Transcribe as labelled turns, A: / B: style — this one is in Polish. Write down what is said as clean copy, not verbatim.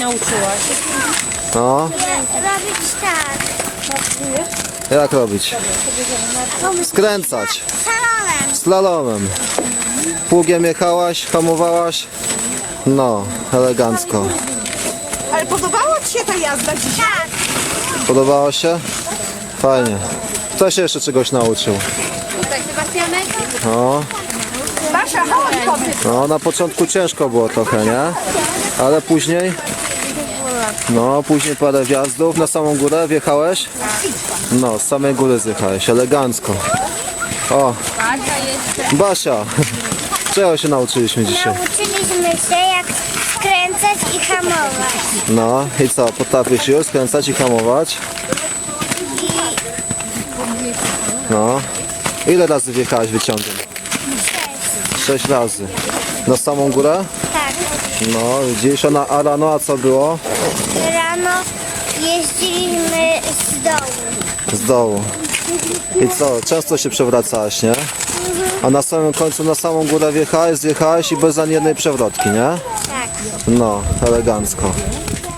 A: nauczyłaś?
B: No,
C: Robić tak.
B: jak robić? Skręcać.
C: Salonem.
B: Slalomem. Pługiem jechałaś, hamowałaś. No, elegancko.
A: Ale podobała Ci się ta jazda dzisiaj?
C: Tak.
B: Podobało się? Fajnie. Kto się jeszcze czegoś nauczył?
C: Tutaj Sebastianek.
B: No,
A: Basia, chodź, powiedz.
B: no na początku ciężko było trochę, nie? Ale później? No, później parę wjazdów. Na samą górę wjechałeś? No, z samej góry zjechałeś. Elegancko. O, Basia. Czego się nauczyliśmy dzisiaj?
C: Nauczyliśmy się jak skręcać i hamować.
B: No i co? Potrafisz już skręcać i hamować? No. Ile razy wjechałeś wyciągiem? 6 razy. Na samą górę?
C: Tak.
B: No, widzisz, a rano, a co było?
C: Rano jeździliśmy z dołu.
B: Z dołu. I co? Często się przewracałaś, nie? A na samym końcu na samą górę wjechałeś, zjechałeś i bez ani jednej przewrotki, nie?
C: Tak.
B: No, elegancko.